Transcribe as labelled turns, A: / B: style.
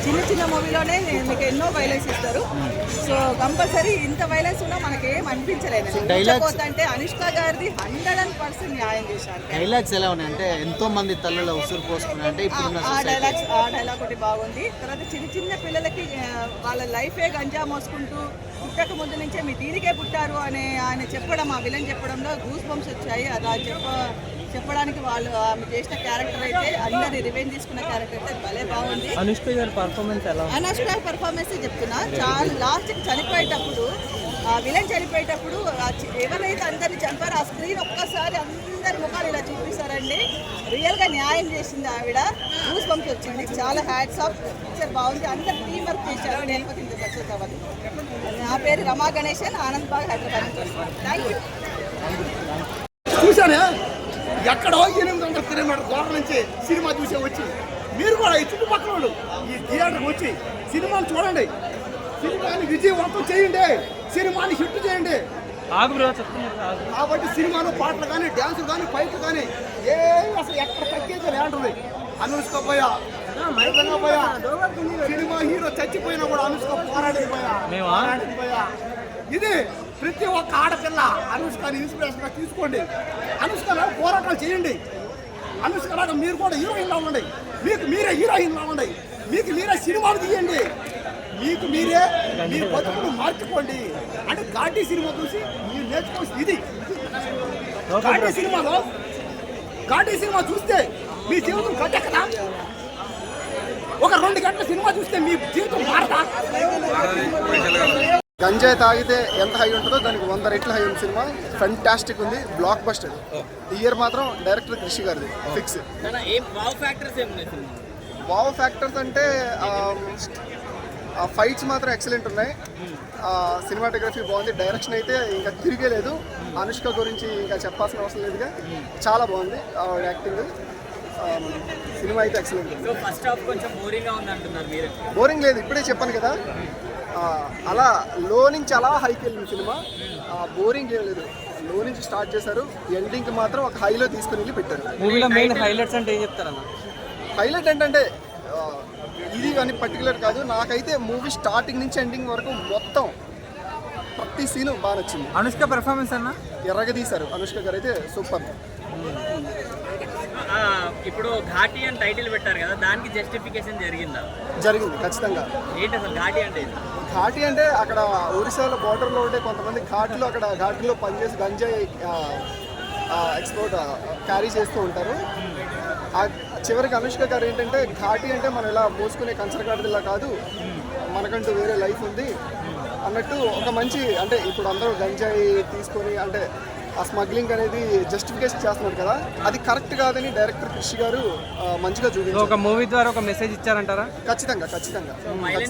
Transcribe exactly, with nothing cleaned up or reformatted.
A: చిన్న చిన్న మూవీలోనే మీకు ఎన్నో వైలెన్స్ ఇస్తారు. సో కంపల్సరీ ఇంత వైలెన్స్ ఉన్నా మనకేం అనిపించలేదు. అంటే అనుష్క గారిది హండ్రెడ్ అండ్ పర్సెంట్ న్యాయం చేశారు.
B: డైలాగ్స్ ఎలా ఉన్నాయి అంటే ఎంతో మంది తల్లుల ఉసురు పోసుకున్నారు అంటే
A: ఆ డైలాగ్స్ ఆ డైలాగ్ ఒకటి బాగుంది. తర్వాత చిన్న చిన్న పిల్లలకి వాళ్ళ లైఫే గంజా మోసుకుంటూ పుట్టక ముందు నుంచే మీ దీనికే పుట్టారు అనే ఆయన చెప్పడం, ఆ విలన్ చెప్పడంలో గూస్ బంప్స్ వచ్చాయి. అలా చెప్ప చెప్పడానికి వాళ్ళు ఆమె చేసిన క్యారెక్టర్ అయితే అందరి రివెంజ్ తీసుకున్న క్యారెక్టర్ అయితే భలే బాగుంది.
C: అనుష్క గారి పర్ఫార్మెన్స్ ఎలా?
A: అనుష్క గారి పర్ఫార్మెన్స్ చెప్తున్నా, చాలా లాస్ట్కి చనిపోయేటప్పుడు ఆ విలన్ చనిపోయేటప్పుడు ఎవరైతే అందరిని చంపారో ఆ స్క్రీన్ ఒక్కసారి అందరి ముఖాలు ఇలా చూపిస్తారండి. రియల్గా న్యాయం చేసింది ఆవిడ. గూస్ బంప్స్ వచ్చింది. చాలా హ్యాట్స్ ఆఫ్. పిక్చర్ బాగుంది. అందరు టీం వర్క్ చేశారు. లేకపోతే ఇంత సక్సెస్ అవ్వదు. నా పేరు రమా గణేశన్, ఆనంద్ బాగ్, హైదరాబాద్. Thank you.
D: చూసానే ఎక్కడో ఎనిమిది వందల కిలోమీటర్ దూరం నుంచి సినిమా చూసే వచ్చి మీరు కూడా ఈ చుట్టుపక్కల వాళ్ళు ఈ థియేటర్కి వచ్చి సినిమాను చూడండి. సినిమాని విజయవంతం చేయండి. సినిమాని హిట్ చేయండి. కాబట్టి సినిమాలో పాటలు కానీ డ్యాన్సులు కానీ ఫైట్లు కానీ ఏమి అసలు ఎక్కడ తగ్గేది లేంటుంది. అనుష్క పోయా పోయా సినిమా హీరో చచ్చిపోయినా కూడా అనుష్క పోరాడేది పోయా పోరాడేది పోయా ఇది ప్రతి ఒక్క ఆడపిల్ల అనుష్కని ఇన్స్పిరేషన్గా తీసుకోండి. అనుష్కలా పోరాటాలు చేయండి. అనుష్కలాగా మీరు కూడా హీరోయిన్లా ఉండండి. మీకు మీరే హీరోయిన్లా ఉండండి. మీకు మీరే సినిమాలు తీయండి. మీకు మీరే మీ బతుకులు మార్చుకోండి. అంటే ఘాటీ సినిమా చూసి మీరు నేర్చుకోవచ్చు. ఇది ఘాటీ సినిమాలో ఘాటీ సినిమా చూస్తే మీ జీవితం గట్టెక్కదా? ఒక రెండు గంటల సినిమా చూస్తే మీ జీవితం మారదా?
E: గంజాయి తాగితే ఎంత హై ఉంటుందో దానికి వంద రెట్ల హై ఉంది. సినిమా ఫెంటాస్టిక్ ఉంది. Blockbuster. ఈ ఇయర్ మాత్రం డైరెక్టర్ కృషి గారిది ఫిక్స్. వావ్ ఫ్యాక్టర్స్ అంటే ఫైట్స్ మాత్రం ఎక్సలెంట్ ఉన్నాయి. సినిమాటోగ్రఫీ బాగుంది. డైరెక్షన్ అయితే ఇంకా తిరిగేలేదు. అనుష్క గురించి ఇంకా చెప్పాల్సిన అవసరం లేదుగా. చాలా బాగుంది యాక్టింగ్. సినిమా అయితే ఎక్సలెంట్. బోరింగ్ లేదు. ఇప్పుడే చెప్పాను కదా, అలా లో నుంచి అలా హైకి వెళ్ళింది సినిమా. బోరింగ్ ఏం లేదు. లో నుంచి స్టార్ట్ చేశారు, ఎండింగ్కి మాత్రం ఒక హైలో తీసుకుని వెళ్ళి పెట్టారు.
C: మూవీలో మెయిన్ హైలైట్స్ అంటే ఏం చెప్తారన్న?
E: హైలైట్ ఏంటంటే ఇది అని పర్టికులర్ కాదు, నాకైతే మూవీ స్టార్టింగ్ నుంచి ఎండింగ్ వరకు మొత్తం ప్రతి సీను బాగా నచ్చింది.
C: అనుష్క పెర్ఫార్మెన్స్ అన్న
E: ఎర్రగా తీశారు. అనుష్క గారు అయితే సూపర్.
F: ఇప్పుడు ఘాటీ అని టైటిల్ పెట్టారు కదా, దానికి జస్టిఫికేషన్ జరిగిందా?
E: జరిగింది ఖచ్చితంగా.
F: ఏంటి అసలు ఘాటీ అంటే?
E: ఘాటీ అంటే అక్కడ ఒరిస్సాలో బార్డర్లో ఉంటే కొంతమంది ఘాట్లో అక్కడ ఘాట్లో పనిచేసి గంజాయి ఎక్స్పోర్ట్ క్యారీ చేస్తూ ఉంటారు. చివరికి అనుష్క గారు ఏంటంటే ఘాటీ అంటే మనం ఇలా మోసుకునే కంచరగాడిలా కాదు, మనకంటూ వేరే లైఫ్ ఉంది అన్నట్టు ఒక మంచి, అంటే ఇప్పుడు అందరూ గంజాయి తీసుకొని అంటే ఆ స్మగ్లింగ్ అనేది జస్టిఫికేషన్ చేస్తున్నారు కదా, అది కరెక్ట్ కాదని డైరెక్టర్ కృషి గారు మంచిగా చూపించారు.
C: ఒక మూవీ ద్వారా ఒక మెసేజ్ ఇచ్చారంటారా?
E: ఖచ్చితంగా ఖచ్చితంగా.